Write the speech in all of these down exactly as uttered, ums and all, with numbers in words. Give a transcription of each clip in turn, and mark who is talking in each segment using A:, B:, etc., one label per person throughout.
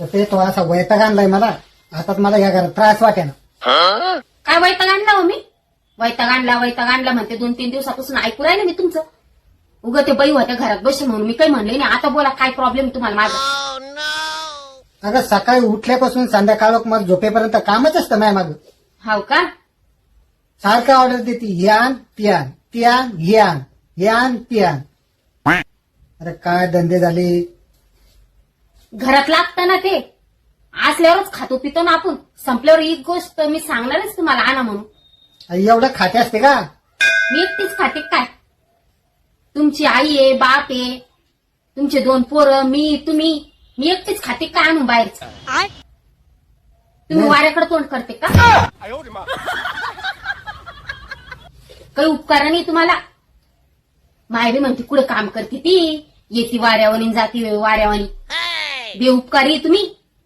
A: तर ते तो असा वैताग आणलाय मला. आता मला या घरात त्रास वाटे ना.
B: काय वैताग आणला हो मी? वैताग आणला वैताग आणला म्हणते. दोन तीन दिवसापासून ऐकू राहिले मी तुमचं. उगं ते बाई होत्या घरात बसे म्हणून मी काही म्हणले नाही. आता बोला काय प्रॉब्लेम तुम्हाला माझा?
A: अगं सकाळी उठल्यापासून संध्याकाळ मग झोपेपर्यंत कामच असतं माझ्या मागं.
B: हाव का?
A: सारखं ऑर्डर देते, हे आण ती आण, ती आण हे आण, हे आण ती आण. अरे काय धंदे झाले.
B: घरात लागतं ना ते. असल्यावरच खातो पितो ना आपण. संपल्यावर एक गोष्ट मी सांगणारच तुम्हाला आणा म्हणून.
A: एवढं खाते असते का?
B: मी एकटीच खाते काय? तुमची आई आहे, बाप आहे, तुमचे दोन पोरं, मी, तुम्ही. मी एकटीच खाते काय आणून बाहेरच? तुम्ही वाऱ्याकडे तोंड करते का? काही उपकार नाही तुम्हाला. मायरी म्हणते कुठे काम करते ती, येती वाऱ्यावानी जाती वाऱ्यावानी. बेउपकारी तुम्ही.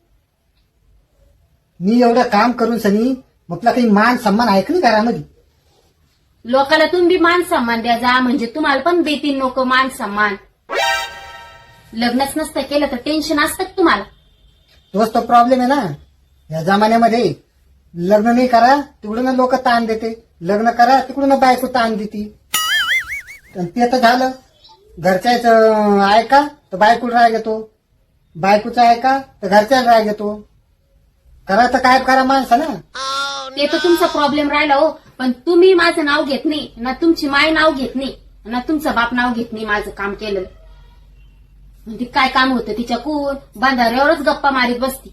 A: मी एवढं काम करून सनी म्हटलं काही मान सन्मान आहे का नाही घरामध्ये?
B: लोकाला तुम्ही मान सन्मान द्या जा, म्हणजे तुम्हाला पण देतील लोक मान सन्मान. लग्नच नसतं केलं तर टेन्शन असतं का तुम्हाला?
A: तोच तो प्रॉब्लेम आहे ना या जमान्यामध्ये. लग्न नाही करा तिकडून लोक ताण देते, लग्न करा तिकडून बायको ताण देते. ते तर झालं. घरच्याच ऐका तर बायकोला राग येतो, बायकोचा ऐका तर घरच्याला राग येतो. करा तर काय करा माणसा ना.
B: ते तर तुमचा प्रॉब्लेम राहिला हो. पण तुम्ही माझं नाव घेत नाही ना, तुमची माय नाव घेत नाही ना, तुमचा बाप नाव घेत नाही माझं काम केलेलं. म्हणजे काय काम होतं तिच्याकून? बांधाऱ्यावरच गप्पा मारीत बसती.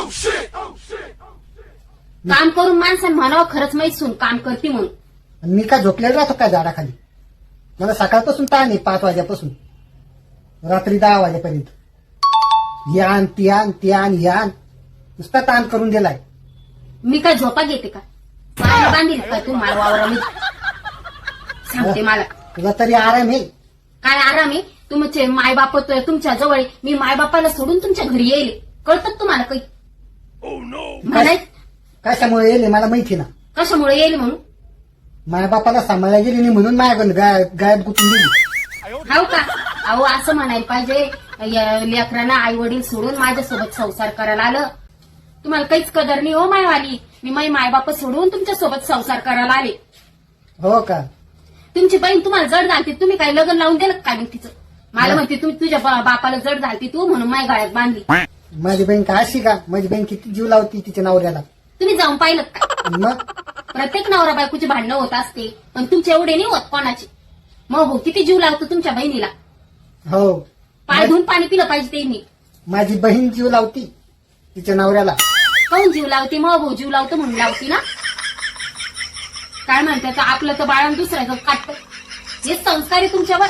B: काम करून माणसानं म्हणावं खरंच माहीत सून काम करते म्हणून.
A: मी काय झोपलेला राहतो काय झाडाखाली? मला सकाळपासून ताण आहे, पाच वाजेपासून रात्री दहा वाजेपर्यंत. हे आण ती आण ती आण हे आण, नुसता ताण करून दिलाय.
B: मी काय झोपा घेते का? मला बांधील का तू मला वावरामध्ये? सांगते मला.
A: तुला तरी आराम आहे.
B: काय आराम आहे? तुमचे मायबाप तुमच्या जवळ आहे. मी मायबापाला सोडून तुमच्या घरी येईल. कळतं तुम्हाला काही? म्हणाय
A: कशामुळे येईल मला माहिती ना.
B: कशामुळे येईल म्हणून?
A: माझ्या बापाला सांभाळायला गेली नाही म्हणून माझ्याकडून गायब गुतून दिली.
B: हो का? अहो असं म्हणायला पाहिजे. या लेकरांना आई वडील सोडून माझ्यासोबत संसार करायला आलं. तुम्हाला काहीच कदर नाही हो मायवाली. मी माई मायबाप सोडून तुमच्या सोबत संसार करायला आले.
A: हो का?
B: तुमची बहीण तुम्हाला जड झालती, तुम्ही काय लग्न लावून दिलं काय मग तिचं? मला म्हणते तुम्ही तुझ्या बा- बापाला जड झालती तू म्हणून माय गाळ्यात बांधली.
A: माझी बहीण काय अशी का? माझी बहीण किती जीव लावती तिच्या नवऱ्याला.
B: तुम्ही जाऊन पाहिलं का?
A: मग
B: प्रत्येक नवरा बायकोची भांडणं होत असते, पण तुमचे एवढे नाही होत कोणाची. मग हो किती जीव लावतो तुमच्या बहिणीला.
A: हो,
B: पाय धुवून पाणी पिलं पाहिजे त्यांनी.
A: माझी बहीण जीव लावती तिच्या नवऱ्याला.
B: काऊन जीव लावते? मग भाऊ जीव लावतो म्हणून लावती ना. काय म्हणतात आपलं तर बाळान दुसऱ्याचं काटतं. हे संस्कार आहे तुमच्यावर.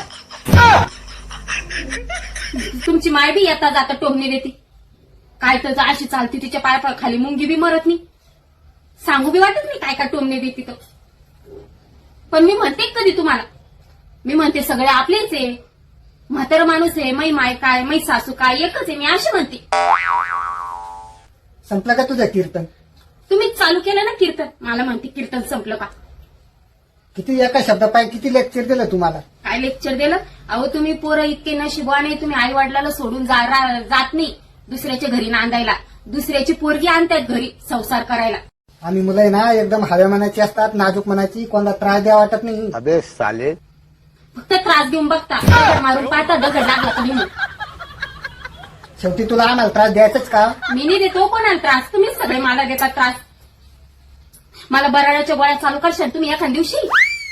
B: तुमची माय बी येता जाता टोमणे देते. काय तर अशी चालती तिच्या पाया खाली मुंगी बी मरत नाही. सांगू बी वाटत नाही काय काय टोमणे देते तर. पण मी म्हणते कधी तुम्हाला, मी म्हणते सगळे आपलेच आहे. म्हातारा माणूस आहे, मै माय काय मै सासू काय एकच आहे. मी अशी म्हणते.
A: संपलं का तुझं कीर्तन?
B: तुम्ही चालू केलं ना कीर्तन. मला म्हणते कीर्तन संपलं का?
A: किती एका शब्दा पाय किती लेक्चर दिलं तुम्हाला?
B: काय लेक्चर दिलं? अहो तुम्ही पोरं इतके नशिबवान, तुम्ही आई वडिलाला सोडून जा, रा- जात नाही दुसऱ्याच्या घरी नांदायला. दुसऱ्याची पोरगी आणतात घरी संसार करायला.
A: आम्ही मुलं आहे ना एकदम हव्या मनाची असतात, नाजूक मनाची, कोणाला त्रास द्या वाटत नाही.
C: अबे साले.
B: फक्त त्रास देऊन बघता, दगड मारून पाहता दगड लागला कधी म्हणून.
A: शेवटी तुला आम्हाला त्रास द्यायचाच का?
B: मी नाही देतो कोणाला त्रास, तुम्हीच सगळे मला देता त्रास. मला बराड्याच्या गोळ्या चालू करशाल तुम्ही एखाद दिवशी.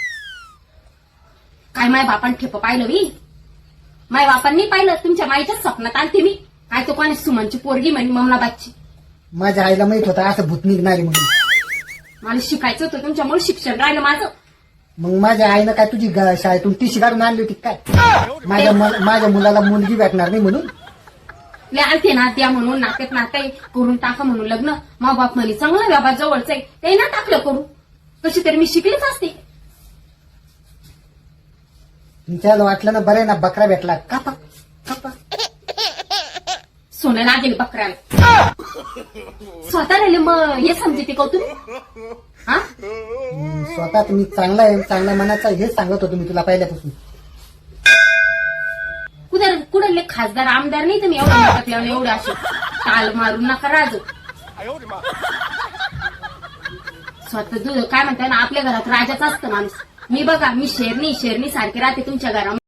B: काय माय बापान ठेप पाहिलं मी? माय बापांनी पाहिलं. तुमच्या माईच्याच स्वप्नात आलते मी. काय तो कोणी सुमनची पोरगी म्हणे ममनाबादची.
A: माझ्या आईला माहित होता असं भूत निघणारी म्हणून.
B: मला शिकायचं होतं तुमच्यामुळे शिक्षण राहिलं माझं.
A: मग माझ्या आईनं काय तुझी ग- शाळेतून टीशी काढून आणली होती काय? माझ्या मुल- माझ्या मुलाला मुलगी भेटणार नाही म्हणून.
B: ले आलते ना द्या म्हणून नात्यात नाते करून टाका म्हणून लग्न. मा बाप म्हणे चांगला व्यवहार जवळच आहे ते ना टाकलं करून. कशी तरी मी शिकलीच असते.
A: तुमच्याला वाटलं ना बरं आहे ना बकरा भेटला. कापा कापा.
B: सोनं लागेल बकऱ्याला. स्वतः राहिले मग हे समजते का तुम्ही? हा
A: हम्म, स्वतः तुम्ही चांगला आहे, चांगल्या मनाचा हेच सांगत होतो मी तुला पहिल्यापासून.
B: कुठं कुठले खासदार आमदार नाही तुम्ही एवढं टाकल्यावर एवढं असे ताल मारून नका राजू. स्वतः दूध काय म्हणताय ना, आपल्या घरात राजाच असतं माणूस. मी बघा, मी शेरणी शेरणी सारखी राहते तुमच्या घरामध्ये.